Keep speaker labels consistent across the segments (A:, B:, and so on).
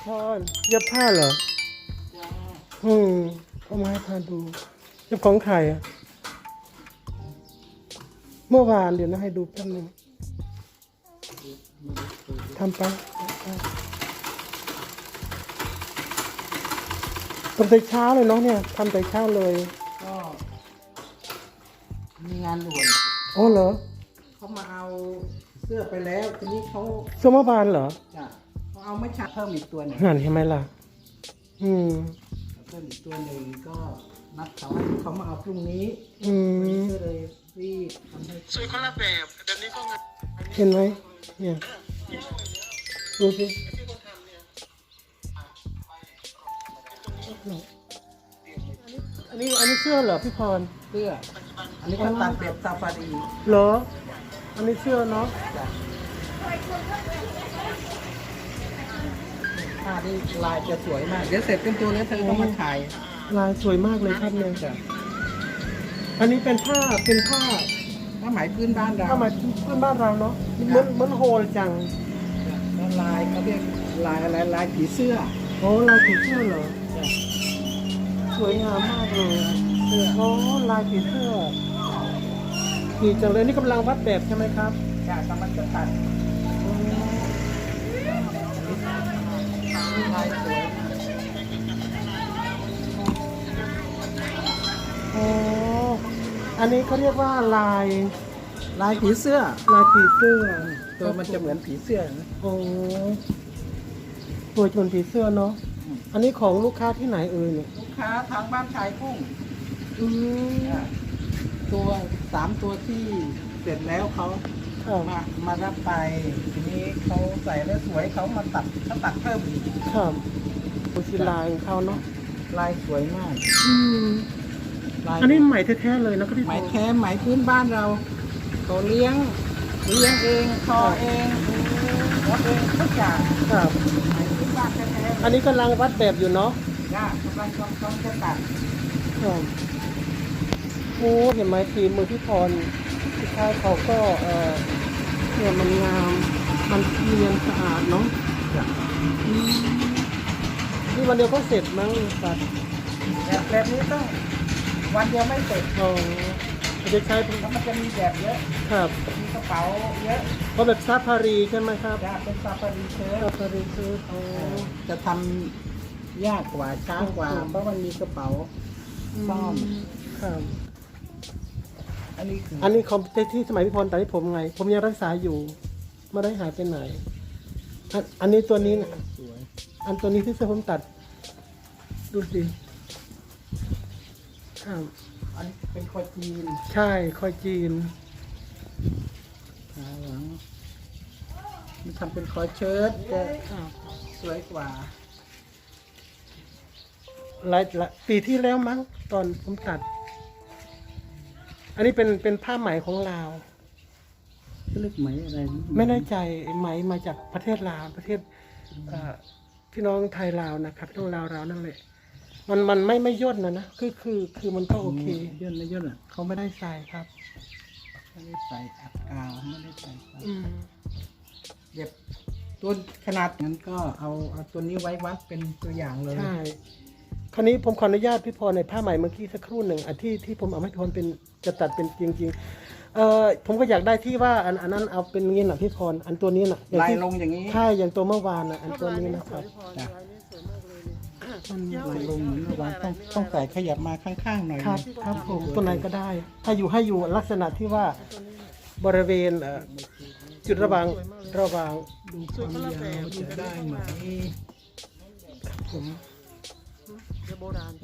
A: พรเย็บผ้าเหรอเอามาให้พาดูเย็บของใครอ่ะเมื่อวานเดี๋ยวนะให้ดูแป๊บนึงทำไปทำแต่เช้าเลยเนาะเนี่ยทำแต่เช้าเลย
B: ก็มีงานด่วน
A: อ๋อเหรอ
B: เขามาเอาเสื้อไปแล้วทีนี้เขา
A: เสื้อเมื่อวานเหรอ
B: จะเขาเอาไม่ชักเพิ่มอีกตัวหนึ่ง
A: งานเห็นไหมล่ะ
B: เพิ่มอีกตัวหนึ่งก็นัดเขาให้เขามาเอาพรุ่งนี้ก็เลยรีบทำให้
A: สวยคนละแบบแต่นี้ก็เห็นไหมเนี่ยดูสิอันนี้เสื้อเหรอพี่พร
B: เสื้ออันนี้ก็ตัดแบบซาฟารี
A: เหรออันนี้เสื้อเนาะ
B: ผ้าที่ลายจะสวยมากเดี๋ยวเสร็จเป็นตัวนี้เธอต้องมาถ่าย
A: ลายสวยมากเลยครับเนี่ยอันนี้เป็นผ้า
B: ไหมพื้นบ้านเรา
A: ผ้าไหมพื้นบ้านเราเนาะเหมือนโฮลจัง
B: ลายเขาเรียกลายอะไรลายผีเสื้อ
A: โอ้ลายผีเสื้อเหรอสวยงามมากเลยเสื้อโอ้ลายผีเสื้อดีจังเลยนี่กำลังวัดแบบใช่ไหมครับ
B: จ้ะกำลังจะตัดลายสวย
A: โอ้อันนี้เขาเรียกว่าลาย
B: ผีเสื้อ
A: ลายผีเสื้อ
B: ตัวมันจะเหมือนผีเสื้อนะ
A: โอ้ตัวจนผีเสื้อเนาะอันนี้ของลูกค้าที่ไหนเนี่ย
B: ลูกค้าทางบ้านชายกุ้งตัว3ตัวที่เสร็จแล้วเขามารับไปทีนี้เขาใส่แล้วสวยเขามาตัดเพิ่มอีก
A: ครับดูสิลายเขาเนาะ
B: ลายสวยมาก
A: อันนี้ไหมแท้ๆเลยนะก็ที่
B: ไหมแท้ไหมพื้นบ้านเราเขาเลี้ยงเองทอเองวัดเองทุกอย่าง
A: ครับ
B: ไหมพื้นบ้านแท้
A: ๆอันนี้กำลังวัดแบบอยู่เนาะ
B: กำลังจะตัด
A: โอ้เห็นไหมฝีมือพี่พรพี่ชายเขาก็เนี่ยมันงามมันเนียนสะอาดเนาะนี่วันเดียวก็เสร็จมั้งสัตว์
B: แบบนี้ต้องวันเดียวไม่เสร็จ
A: จะใช้
B: มันจะมีแบบเยอะ
A: ครับ
B: มีกระเป๋าเยอะ
A: เพราะแบบซาฟารีใช่ไหมครับ
B: เป็นซาฟารีเชิ้
A: ต
B: จะทำยากกว่าช้ากว่าเพราะมันมีกระเป๋าซ่อม
A: ครับอันนี้คอมที่สมัยพี่พรตอนที่ผมไงผมยังรักษาอยู่ไม่ได้หายไปไหนอันนี้ตัวนี้
B: สวย
A: อันตัวนี้ที่เสื้อผมตัดดูสิครับ
B: อันนี้เป็นคอยจีน
A: ใช่คอยจีน
B: ขาหลังมันทำเป็นคอยเชิ้ตจะสวยกว่า
A: หลายปีที่แล้วมั้งตอนผมตัดอันนี้เป็นผ้าไหมของลาว
B: เรียกไหมอะไร
A: ไม่แน่ใจไหมมาจากประเทศลาวประเทศพี่น้องไทยลาวนะครับพี่น้องลาวเรานั่นแหละมันไม่ย่นนะคือมันก็โอเค
B: ย่นไม่ย่นอ่ะ
A: เขาไม่ได้ใส่ครับ
B: ไม่ได้ใส่อัดกาวไม่ได้ใส่เย็บตัวขนาดนั้นก็เอาตัวนี้ไว้วัดเป็นตัวอย่างเลย
A: ใช่คราวนี้ผมขออนุญาตพี่พรในผ้าไหมเมื่อกี้สักครู่หนึ่งอันที่ผมเอาให้พี่พรเป็นจะตัดเป็นจริงๆผมก็อยากได้ที่ว่าอันนั้นเอาเป็นงี้นะพี่พรอันตัวนี้นะ
B: ลายลงอย่างนี้
A: ใช่อย่างตัวเมื่อวานนะอันตัวนี้นะครับ
B: ลายลงเหมือนเมื่อวานต้องใส่ขยับมาข้างๆหน่อย
A: ครับผมตัวไหนก็ได้ถ้าให้อยู่ลักษณะที่ว่าบริเวณจุดระหว่าง
B: ดูความยาวจะได้ไหม
A: ผมโบราณ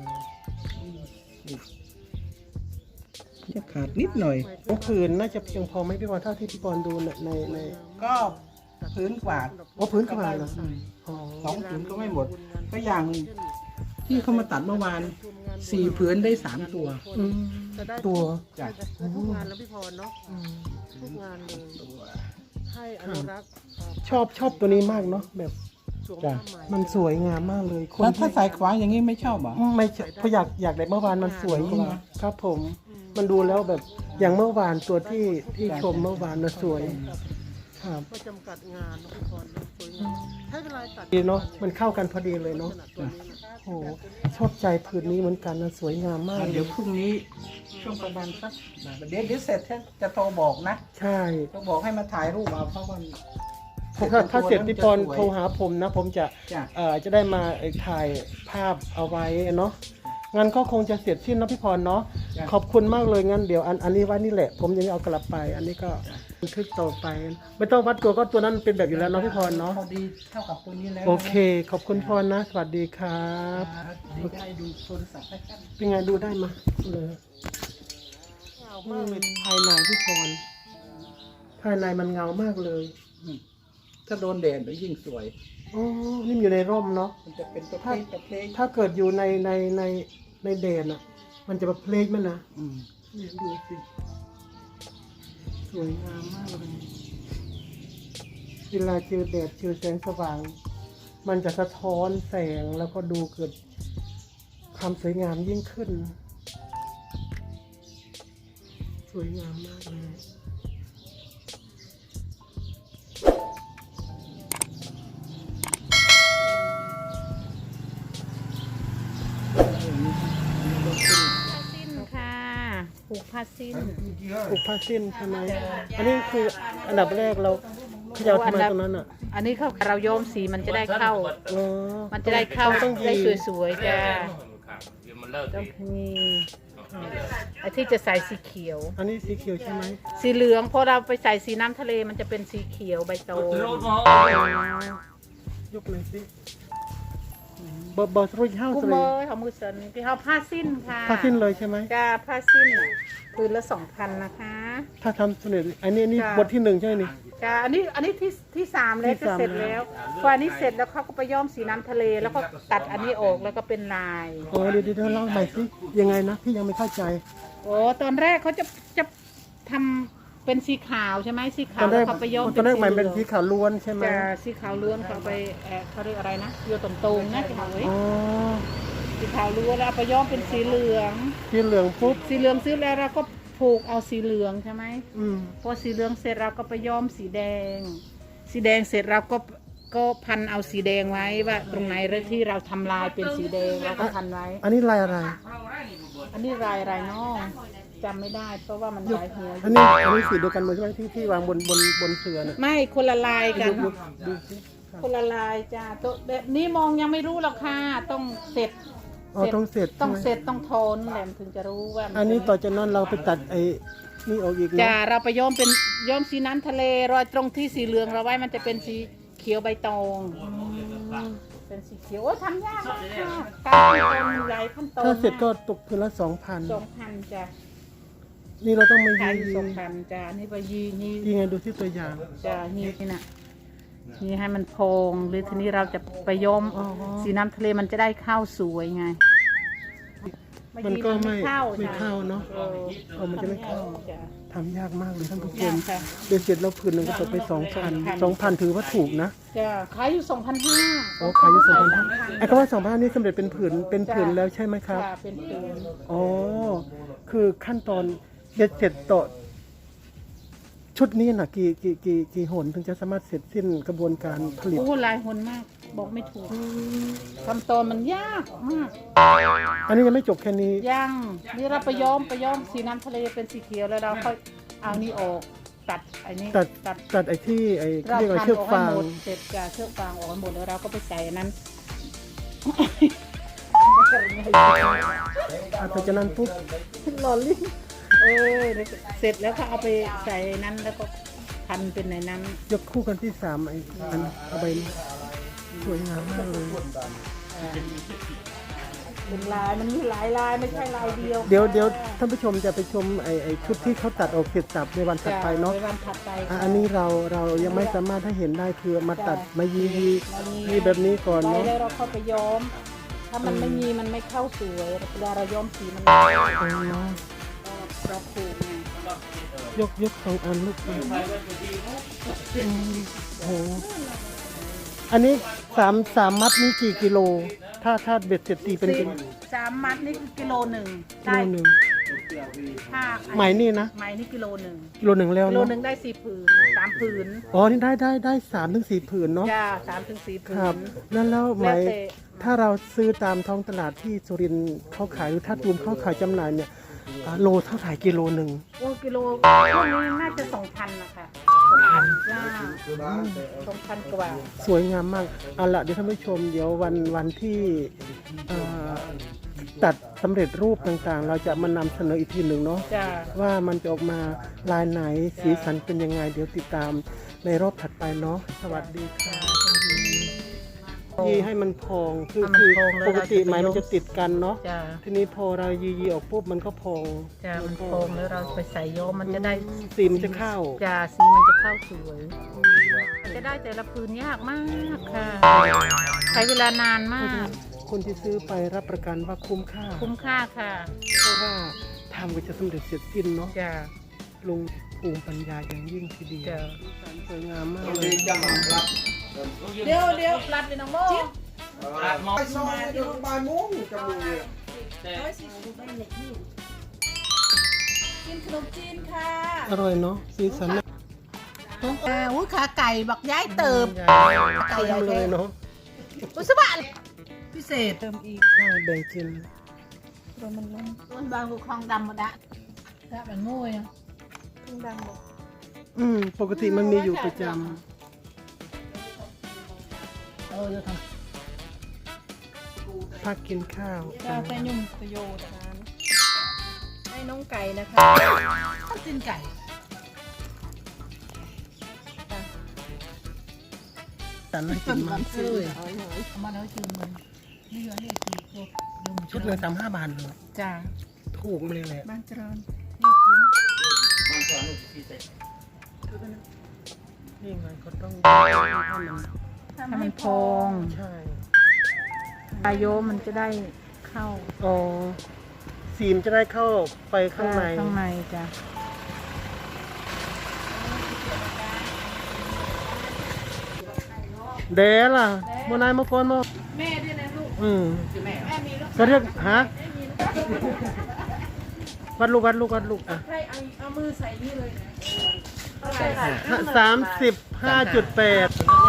B: จะขาดนิดหน่อย
A: ผืนน่าจะเพียงพอไหมพี่บอลเท่าที่พี่บอลดูใน
B: ก็พื้นกว่า
A: พื้นกว่าเหรอ
B: 2 ผืนก็ไม่หมดก็อย่างที่เขามาตัดเมื่อวาน4 ผืนได้3 ตัว
A: จ้ะ
C: ทุกงานแล้วพี่พรเนาะทุกงานเลยให้อนุรักษ์
A: ชอบตัวนี้มากเนาะแบบมันสวยงามมากเลย
B: แล้วถ้าใส่ขวางอย่างนี้ไม่ชอบหรอ
A: ไม่เพราะอยากได้เมื่อวานมันสวยกว่าครับผมมันดูแล้วแบบอย่างเมื่อวานตัวที่ชมเมื่อวานน่ะสวยครับ
C: ไม่จำกัดงานเนาะพี่พรเนาะสวยงามใช้เวลาตัด
A: ดีเนาะมันเข้ากันพอดีเลยเนาะ
C: ขนาดตัวนี้นะ
A: โอ้โหชอบใจผืนนี้เหมือนกันนะสวยงามมาก
B: เดี๋ยวพรุ่งนี้ช่วงประมาณสักเดี๋ยวเสร็จจะโทรบอกนะ
A: ใช่
B: จะบอกให้มาถ่ายรูปเอาเพราะว่า
A: ถ้าเสร็จพี่พรโทรหาผมนะ ผมจะ
B: จ้ะ
A: จะได้มาถ่ายภาพเอาไว้เนาะงั้นก็คงจะเสร็จสิ้นนะพี่พรเนาะ
B: จ้ะ
A: ขอบคุณมากเลยงั้นเดี๋ยวอันนี้ไว้นี่แหละ ผมยังเอากลับไป อันนี้ก็บันทึกต่อไป ไม่ต้องวัดตัวก็ตัวนั้นเป็นแบบอยู่แล้วเนาะพี่พรเนาะ
B: พอดีเท่ากับตัวนี้แล้ว
A: โอเค ขอบคุณพรนะ สวัสดีครับ
B: ดีได้ดูโทรศัพท์ให้กัน
A: เป็นไงดูได้มาเลยเงามากเลยภายในพี่พรภายในมันเงามากเลย
B: ถ้าโดนแดดแล้วยิ่งสวย
A: อ๋อนี่มันอยู่ในร่มเนาะ
B: มันจะเป็นประเภทประเภท
A: ถ้าเกิดอยู่ในแดดอ่ะ มันจะแบบเพลกมันนะ
B: อืม
A: เนี่ยดูสิสวยงามมากเลยเวลาเจอแดดเจอแสงสว่าง มันจะสะท้อนแสงแล้วก็ดูเกิดความสวยงามยิ่งขึ้น สวยงามมากเลย
D: สิ้นค่ะผูกผ้าสิ้น
A: ปลูกผ้าสิ้นใช่ไหมอันนี้คืออันดับแรกเราเขย่าทำไมตรงนั้นอ่ะ
D: อันนี้เขาเราโยมสีมันจะได้เข้า
A: อ๋อ
D: มันจะได้เข้า
A: ต้อง
D: ได้
A: ยี
D: สวยๆจ้ะต้องมีไอ้ที่จะใส่สีเขียว
A: อันนี้สีเขียวใช่ไหม
D: สีเหลืองพอเราไปใส่สีน้ำทะเลมันจะเป็นสีเขียวใบโต
A: ยกเลยสิบอสรุ่ยห้า
D: กู
A: สิ
D: เมย์ของมือสันที่เขาผ้าสิ้นค่ะ
A: ผ้าสิ้นเลยใช่ไหม
D: จ้าผ้าสิ้นน่ะคืนละ2,000นะคะ
A: ถ้าทำสำเร็จอันนี้
D: จ้ะ
A: บทที่หนึ่งใช่ไหมนี่
D: จ้าอันนี้ที่3แล้ว
A: ที่
D: จะ
A: สาม
D: เสร็จแล้วพออันนี้เสร็จแล้วเขาก็ไปย้อมสีน้ำทะเล แล้วก็ตัดอันนี้ออกแล้วก็เป็นลาย
A: อ๋อเดี๋ยวเล่าใหม่สิยังไงนะพี่ยังไม่เข้าใจ
D: โอ้ตอนแรกเขาจะทำเป็นสีขาวใช่ไหมสีขา
A: ตอ
D: วน
A: แร
D: แล้ว
A: ก
D: เขาไปย้อม
A: ตอนแรกใหม่เป็น
D: หลื
A: สี
D: อง
A: ขาวล้วนใช่ไหม
D: จะสีขาวล้วนเขาไปเขาเรียกอะไรนะโยตรงตรงๆนะสีขาวเอ้ย
A: อ๋อ
D: สีขาวล้วนแล้วเอาไปย้อมเป็นสีเหลือง
A: สีเหลืองปุ๊บ
D: สีเหลืองซื้อแล้วเราก็ผูกเอาสีเหลืองใช่ไหม
A: อืม
D: พอสีเหลืองเสร็จเราก็ไปย้อมสีแดง สีแดงเสร็จเราก็พันเอาสีแดงไว้ว่าตรงไหนที่เราทำลายเป็นสีแดงเราก็พันไว้
A: อันนี้ลายอะไร
D: อันนี้ลายอะไรเนาะจำไม่ได้เพราะว่ามันหลายหัว
A: อันนี้สีเดียวกันหมดใช่ไหมที่วางบนเสือน่ะ
D: ไม่คนละลายกัน
A: ดูสิ
D: คนละลายจ้าตัวแบบนี้มองยังไม่รู้หรอกค่ะต้องเสร็จ
A: อ๋อต้องเสร็จ
D: ต้อง
A: ใช่ไหม
D: เสร็จต้องโทนแหลมถึงจะรู้ว่า
A: อันนี้ต่อจากนั้นเราไปตัดไอ้นี่ออกอีก
D: จ้า
A: เนาะ
D: เราไปย้อมเป็นย้อมสีน้ำทะเลรอยตรงที่สีเหลืองเราไว้มันจะเป็นสีเขียวใบตองเป็นสีเขียวโอ้ทำยากมากค่ะการขั้นตอนมีหลายขั้นตอน
A: ถ้าเสร็จก็
D: ม
A: ตกคืนละ 2,000
D: 2,000จ้ะ
A: นี่เราต้องมา
D: ขาย
A: ยี
D: อยู่2,000จ้ะนี่ไปยีนี่
A: ยีไงดูที่ตัวอย่าง
D: จ้ะนี่น่ะนี่ให้มันโพองหรือทีนี้เราจะไปย้อม
A: อ๋อ
D: สีน้ำทะเลมันจะได้ข้าวสวยไง
A: มันก็ไม่
D: เข้า
A: ไม่
D: จ้ะ
A: เข้าเนาะ
D: เออ
A: มันจะไม่เข้า
D: จ้ะ
A: ทำยากมากเลยท่านผู้ช
D: ยาม กค่ะ
A: เดี๋ยวเสร็จแล้วผืนหนึ่งก็ตกไป 2,000 ถือว่าถูกนะ
D: จ้ะขายอยู่2,500
A: อ๋อขายอยู่2,500ไอ้คำว่า2,500นี่สำเร็จเป็นผืนแล้วใช่ไหมครับ
D: ค่ะเป็นผืน
A: อ๋อ คือขั้นตอนเบ็ดเสร็จต่อชุดนี้น่ะกี่หนถึงจะสามารถเสร็จสิ้นกระบวนการผลิต
D: โอ้หลายหนมาก บอกไม่ถูกขั้นตอนมันยากมาก
A: อันนี้ยังไม่จบแค่นี้
D: ยังนี่เราไปย้อมสีน้ำทะเลเป็นสีเขียวแล้วเราค่อยเอานี่ออกตัดไอ้นี่
A: ตัดไอ้ที่ไอ้
D: เรา
A: เรียกว่า
D: พัน
A: เชือก
D: ออกให้
A: ฟาง
D: หมดเสร็จจากเชือกฟางออกให้หมดแล้วเราก็ไปใส่อันนั้น
A: หลังจากนั้นปุ๊บ
D: หล่อลิ้นเสร็จแล้วก็เอาไปใส่นั้นแล้วก็พันเป็นในนั้น
A: ยกคู่กันที่3ไอ้อันเอาไปสวยงามมากเลย
D: เป็นลายมันมีหลายลายไม่ใช่ลายเดียว
A: เดี๋ยวท่านผู้ชมจะไปชมไอ้ชุดที่เขาตัดออกเสร็จสับในวันถัดไปเนาะ
D: ในวันถัดไป
A: อันนี้เรายังไม่สามารถให้เห็นได้คือมาตัดมายีแบบนี้ก่อน
D: ไว้
A: เนาะ
D: แล้วเราเข้าไปย้อม ถ้ามันไม่มีมันไม่เข้าสวยเวลาเราย้อมสีมัน
A: อ๋อ
D: เราผูกไง
A: ยก2 อันลูกอืมโอ้โหอันนี้3 มัดนี้กี่กิโล ถ้าเบ็ดเสร็จตีเป็นกิโล
D: 3 มัดนี่คือกิโลหนึ่ง
A: กิโลหนึ่ง
D: ผ้า
A: ไหมนี่นะ
D: ไหมนี่กิโลหนึ่ง
A: กิโลหนึ่งแล้ว
D: กิโล
A: เนาะ
D: หนึ่งได้4 ผืน 3 ผืน
A: อ๋อนี่ได้3 ถึง 4 ผืนเนาะ
D: จ้า3 ถึง 4 ผื
A: ครับ
D: น
A: แล้วไหม
D: แล้วแต่
A: ถ้าเราซื้อตามท้องตลาดที่สุรินทร์เขาขายหรือถ้าตูมเขาขายจำหน่ายเนี่ยโลเท่าไหร่กิโลหนึ่ง
D: โอ้กิโลพวกนี้น่าจะ2,000นะคะ2,000จ้า2,000 กว่า
A: สวยงามมากเอาละเดี๋ยวท่านผู้ชมเดี๋ยววันที่เอ่อตัดสำเร็จรูปต่างๆ เราจะมานำเสนออีกทีหนึ่งเนาะ
D: จ้า
A: ว่ามันจะออกมาลายไหนสีสันเป็นยังไง เดี๋ยวติดตามในรอบถัดไปเนาะสวัสดีค่ะยีให้มันพองคือปกติไหมมันจะติดกันเนาะ
D: จ้า
A: ทีนี้พอเรายีออกปุ๊บมันก็พอง
D: จ้ามันโป่งแล้วเราไปใส่โยมมันจะได้
A: สีมันจะเข้า
D: จ้าสีมันจะเข้าสวยมันจะได้แต่ละพื้นยากมากค่ะใช้เวลานานมาก
A: คนที่ซื้อไปรับประกันว่าคุ้มค่า
D: คุ้มค่าค่ะ
A: เพราะว่าทำก็จะสำเร็จเสร็จสิ้นเนาะ
D: จ้า
A: ลุงภูมิปัญญาอย่างยิ่งทีเดียว
D: จ้า
A: สวยงามมากเลย
D: เดี๋ยวรัดไปน้องโม
B: ไปซอยเดี๋ยวบ่ายโมงจะมี
C: กินขนมจีนค่ะ
A: อร่อยเนาะสีสันน่า
D: อุ้ยขาไก่บักย้ายเติม
A: ไก่เลยเนาะ
D: อุสบะ
C: พิเศษเติมอีก
A: ใช่แบ่งกิน
D: มันบางกูคลองดำหมดอะ
C: ถ้ามันโง่ยอ่ะ
D: คลองดำหมด
A: ปกติมันมีอยู่ประจ
C: จะทำ
A: ำพักกินข้าว
C: จะไปยุ่งประโยชน์นั้นให้น้องไก่นะคะต้องกินไก่
A: แต่น่ากินมาก
C: เอามาแล้วจืมมันไม่ยอมให้ตีพวกยุ่ง
A: ชุดเลย35 บาทเลย
C: จ้า
A: ถูกมาเลยแหละ
C: บ้านเจริญ
A: นี่ไงก็ต้อง
D: ถ้ามันพอง
A: ใช่
D: ปลายโยมมันจะได้เข้า
A: อ๋อสีมนจะได้เข้าไปข้างใน
D: ข้างในจ้ะ
A: เดะล่ะโมนายมาก่อนมา
C: แม่ด้วยนะลูก
A: แม่
C: แม่มีลูก
A: ก็เรียกฮะวัดลูกอ่ะ
C: ใครเอามือใส่นี่เลยนะ
A: 35.8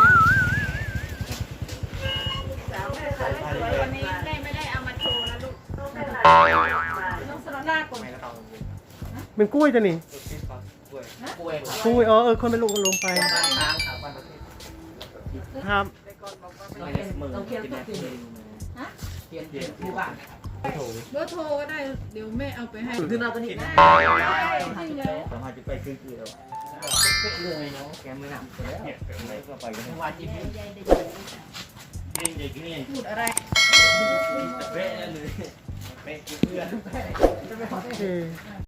C: วันนี้แม่ไม่ได้เอามาโชว์นะลูกต้องสโลล่าก่อน
A: เป็นกล้วยจ้ะนี่กล้วยอ๋อคนเป็นลูกลงไปครับ
C: เบอร์โทรก็ได้ เดี๋ยวแม่เอาไปให้
E: ขึ้นมาตัวนี้นะ
C: จริงเลย
E: สามารถจะไปคือแล้วเลยเนาะแกไม่นำแล้วไม่ก็ไปกันว่าจิ้มนี่
C: พูดอะไร
E: เป๊ะเลยเป๊ะเพื่อน
A: โอเค